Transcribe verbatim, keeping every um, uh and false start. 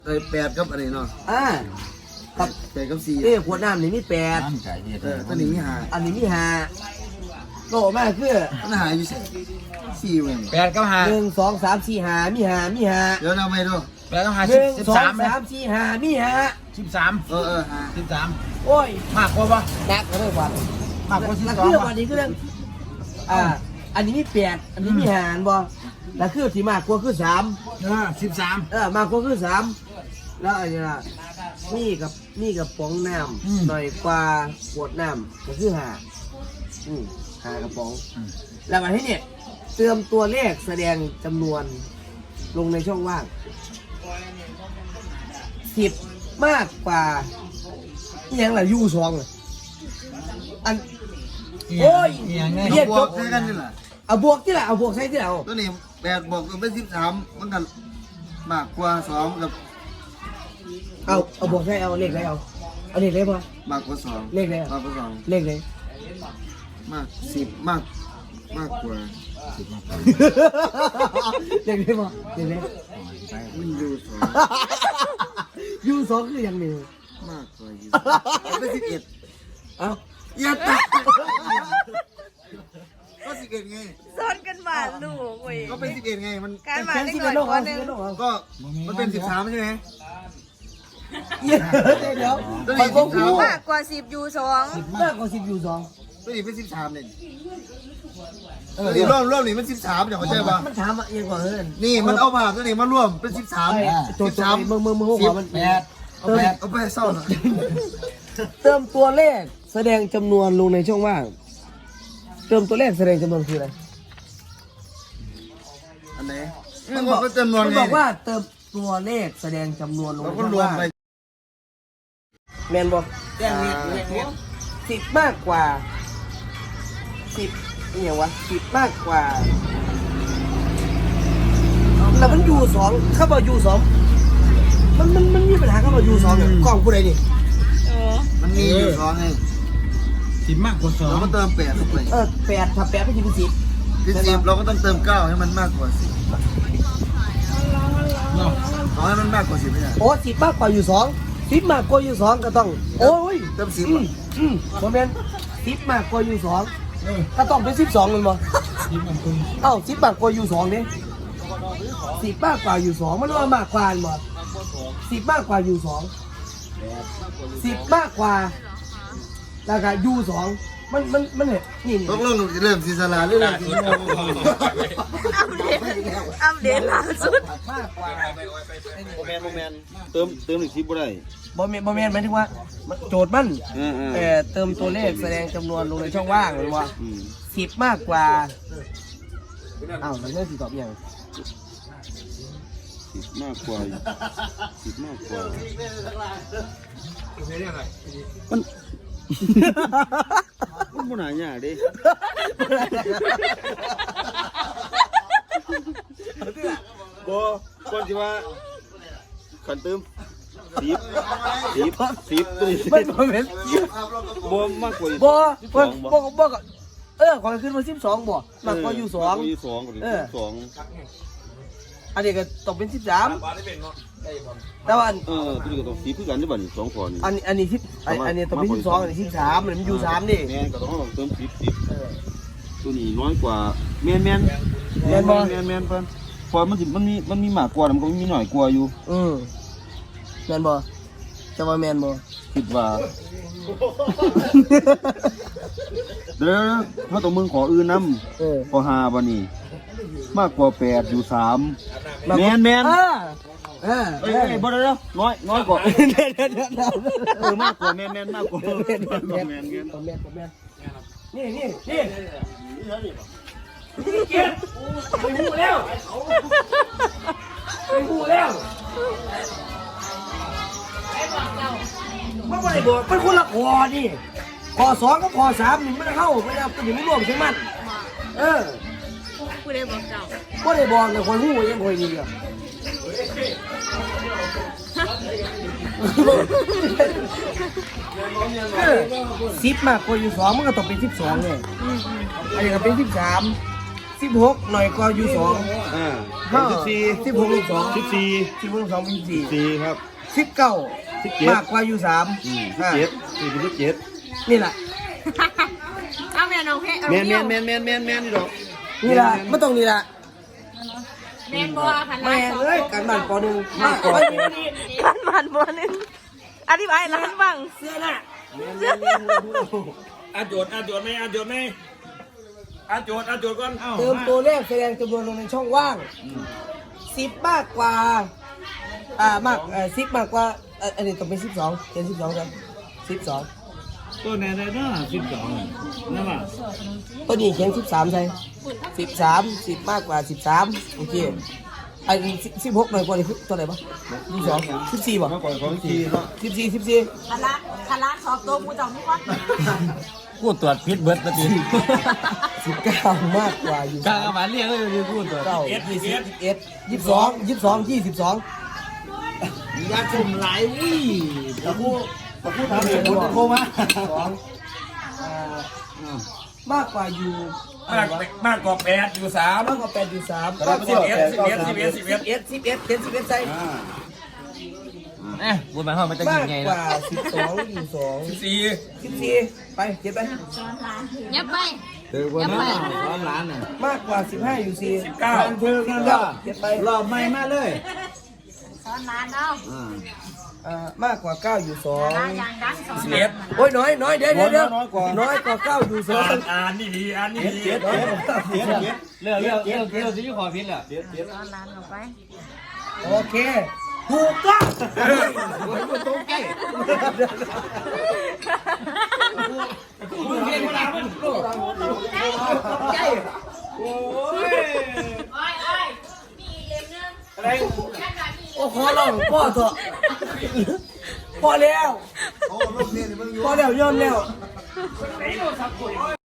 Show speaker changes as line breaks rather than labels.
เคยแปดกับอะไรเนาะ
อ่ากับ
แปดกับสี่
เอ้ขวดน้ำนี่มีแปด
น้ำไก่เฮ็ด
เออตัวนี้มีหา
อันนี้มีห้าโตมากคือ
มันหายอยู่สี่เว้ย
แปดกับห้า
หนึ่งสองสามสี่ห้ามีห้ามีห้า
เดี๋ยวเราไม่ดู
แปดกับห้า
ห
สิบ
นึ่ง
สิบ
สอง
สามไหม
สามสี่ห้ามีห้า
สิบสาม
เออเออหา
สิบสาม
โอ้ย
มากกว่าปะ
หนักเลยว่ะ
มากกว่าสิบ
แล้ว
สอง
คือ
ปะ
วันนี้คือเรื่องอ่าอันนี้มีแปดอันนี้มีห้าอันบ่แล้วคือที่มากกว่าคือสาม
เออสิบสาม
เออมากกว่าคือสามแล้วอันนี้ล่ะนี่กับนี่กับป๋องน้ำหน่อยกว่าขวดน้ำก็คือห้าอืมห้ากระป๋อง แล้วมาที่เนี่ยเติมตัวเลขแสดงจำนวนลงในช่องว่างสิบมากกว่าอหยังล่ะยูสองเลยอันโอ้ย
อย่างไง
เรียก
บ
จ
ว
บ
กใช้กันนี่แหละ
เอาบวกที่ละเอาบวกใช่ที่ละเอา
ตัวนี้แปดบวกเป็นสิบสามมันกันมากกว่าสองกับ
เอาเอาบวกใช่เอาเลขไหนเอาเอาเลขไหนพอ
มากกว่าสอง
เลขไหน
มากกว่าสอง
เลขไหน
มากสิบมากมากกว่า
เลขไหนพอเลขไหน
มันอยู่สอง
ยูสองคืออย่างหนึ่ง
มากกว่าอยู่เป็นสิบเอ็ด
เอา
อย่าตัดก็สิบเอ็ดไง
ซ้อนกันมาลูกเว้ย
ก็เป็นสิบเอ็ดไงมัน
การมา
แค่
ได้
ที่
ก่
เป็
อน น
โลก
ค
เอา
นห
ที่
นึ่ง
เป็นโลกเอา
ก็มันเป็นสิบสามใช่ไหม
เดี๋ยวเดี๋ยว
ตัว
ไป
นี้
บว
สิ
ก
บสาม
มากกว่าสิบยูสอง
มากกว่าสิบยูสอง
ตัวนี้เป็นสิบสามเนี่ยตัวนี้ร่วมร่วมนี่มันสิบสามเดี๋ยวเข้าใจป่ะ
มันถามว่าเอียงกว่าเฮ้ย
นี่มันเอาผ่าตัวนี้มาร่วมเป็นสิบสาม
โจ
สิ
ท
บ
ย์
สาม
มึงมึงมึงหัวมัน
แปด
เอาไปเอาไปเศร้าหน่อย
เติมตัวเลขแสดงจำนวนลงในช่องว่าง เติมตัวเลขแสดงจำนวนคืออะไร
อันไหนมันบอกว่าจำนวน
มัน
ไง
บอกว่าเติมตัวเลขแสดงจำนวนลง
เรา
ใน
ก็
ช่อง
รวม
ว่าง
ไป
แมนบอกแจ้งเฮ็ดแจ้งเฮ็ดสิบมากกว่าสิบนี่อย่างวะสิบมากกว่าแล้วมันยูสองเข้ามายูสองมันมันมันมีปัญหาเข้ามายูสองเนี่ยกล้องผู้ใดนี่
เออ
มันมีอยู่สองไง
สิบมากกว่าสอง
เราก็เติมแปดเข้าไป
เออแปดถ้าแปดไม่ใช่เป็นสิบ
เป็นสิบเราก็ต้องเติมเก้าให้มันมากกว่าสิบ
เนาะ
ขอให้มันมากกว่าสิบไม่ได้
โอ้สิบมากกว่าอยู่สองสิบมากกว่าอยู่สองก็ต้อง โอ้ย
เติมสิบ
อืม
อ่ะ
อืมโมเมนสิบมากกว่าอยู่สอง
เออ
ก็ต้องเป็นสิบสองเลยมั้ง
สิบมันคุณ
เอ้าสิบมากกว่าอยู่สองเนี่ยสิบมากกว่าอยู่สองมันว่ามากกว่าหมดสิบมากกว่าอยู่สองสิบมากกว่าแล้วก็อยู่สองมันมันมันเนี่ยนี่นี่
ตกลงจะเริ่มซีซาลาหรือเริ่มซีโม
อัปเดตอัปเดตล่าสุด
มากกว่า
โมเมนโมเมนเติมเติมอีกสิบบ่ได้
บอมเมนบอมเมนหมายถึงว่าโจทย์มัน
เออเออ
เอ่อเติมตัวเลขแสดงจำนวนลงในช่องว่างเลยว่า
อืม
สิบมากกว่าอ้าวมันเรื่องสิตอบยัง
สิบมากกว่าสิบมากกว่ามันมันบ่น่ายากเด้บ่ก่อนสิว่าขันเติมสิบสิบสิบตัวนี้
มันบอมเมน
บ่มากกว่า
บ่บ่บ่บ่ก็เออขอขึ้นมาสิบสองบ่มากกว่าอยู่สอง
อยู่สองก็ได้สอง
อันนี้ก็ตกเป็นสิบสามแต่ว่าอัน
เออตัวนี้ก็ต้องสิบคือกันได้บ่นี่สองคนนี่
อันอันนี้สิบอันอันนี้ตกเป็นสิบสองอันนี้สิบสามมันอยู่สามดิ
แม่นก็ต้องลองเติมสิบสิบตัวนี้น้อยกว่าแม่นแม่น
แม่นบ่
แม่นแม่นเพิ่นพอมันสิมันมีมันมีมากกว่ามันก็มีน้อยกว่าอยู่
อืมแมนบ่จะว่าแมนบ่
คิดว่าเดี๋ยวถ้าตัวมึงขออื่นนำ
เออ
ขอห้าบ่นี่มากกว่าแปดอยู่สามแม่นแม่น
เออเออ
เอ้ยเอ้ยบ่ได้แล้วน้อยน้อยกว่า
เดี๋ยวเดี๋ยวเดี๋ยวเดี๋ยว
เออมากกว่าแม่นแม่นมากกว่าแม่นแม่นแม่นแม่น
แมนแมนนี่นี่นี่นี่เกียรติไปหูแล้วไปหูแล้วมันไม่ได้บอกมันคนละคอนี่คอสองกับคอสามนี่มันเข้าไม่ได้ตัวนี้ไม่รวมใช่ไหมเออ
กูได้บอกเจ้า
ก็ได้บอกแต่คนหูยังคอยดีอ่ะสิบมากกว่าอยู่สองมันก็ต้องเป็นสิบสองเลยอันนี้ก็เป็นสิบสามสิบหกหน่อยกว่าอยู่สอง
อ่า
ห้า
สิบสี่
สิบหกลูกสอง
สิบสี่
สิบหกลูกสองเป็นสี่
สี่ครับ
สิบเก้า
สิบเจ็ด
มากกว่าอยู่สาม
อืมสิบเจ็ดสี่เป็นสิบเจ็ด
นี่แหละ
เอาแม่น้องเพชรเอา
แมนแม
เดี่ย
น
ว
แมนแมนแมนแมนนี่ดอก
นี่แหละไม่ต้องนี่แหละ
แม่นบัวพัน
แม่เอ้ยการบ้านปหนึ่งมากกว่า
กันบานบัวหนึงอธิบายร้านบ้าง
เสื้อน่ะ
อาโจทย์อาโจทย์ไหมอาโจทย์ไหมอาโจทย์อาโจทย์ก่อน
เติมตัวเลขแสดงจำนวนลงในช่องว่างสิบมากกว่าอ่ามากเอ่อสิบมากกว่าเอ่ออันนี้ต้องเป็นสิบสองเป็นสิบสองกันสิบสอง
ตัวไหนได้เนาะสิบสองนั่นป่ะ
ตัวนี้เขียนสิบสามใช่สิบสามสิบมากกว่าสิบสามโอเคไอ้สิบหกหน่อยกว่านี่คือตัวไหนบ้างยี่สิบสองสิบสี่บ่
มากกว่าของทีเนาะ
สิบสี่สิบสี่
คาราคาราสอบตัวกูจองนี่ก่อน
กูตรวจพิษเบิร์ดมาที
สิบเก้ามากกว่าอยู่
กลางอาหารเรียกเลยกูตรวจ
เก้ายี่สิบยี่สิบเอ็ดยี่สิบสองยี่สิบสองยี่สิบสอง
ยาคุมหลายวี่
ตะคู่ตะคู่ทำเอง
กูตะโคมา
สองอ่ามากกว่าอยู่
มากมากกว่าแปดอยู่สาม
มากกว่าแปดอยู่สาม
สิบเอ็ดสิบเอ็ดสิบเอ็ดสิบเอ็ด
สิบเอ็ดสิบเอ็ดเขียนสิบเอ็ดใส่
เอ๊ะบุญมาห้องมันจะ
มา
ยิ
ก
งไง
ก
นะ
ว่าสิบสองอยู่สอง
สี่
สิบสี่ไปเขียนไป
ยับไป
เดี๋ยวบุญมาร้อนร้านน่ะ
มากกว่าสิบห้าอยู่สี่
สิบเก้า
เพิ่งนั่นก็
เขียนไป
รอบใหม่มาเลย
สอนร้านเอา
อ่า
อ่ามากกว่าเก้าอยู่สอง
ร้านยางดังสอน
สิบเอ็ด
โอ้ยน้อยน้อยเดี๋ยวเดี๋ยวเดี๋ยวน้อยกว่าน้อยกว่าเก้าอยู่สอง
อ่านอ่านนี่ดีอ่านนี่ดีเจ็ดเจ็ดเจ็ดเจ็ด
เรื่องเรื่องเรื่องเรื่องที่ขอพิษแหละ
เจ็ดเจ็ด
สอนร้านเอาไป
โอเคถูกต้อง
ตรงใกล้มึงเรียนเวลามัน
ใช่โอ้ย
โอ้ยโอ้ยมีอีกเล่มนึง
อะไรโอ้ขอร้องพ่อเถอะพอแล้วพอแล้วยอมแล้ว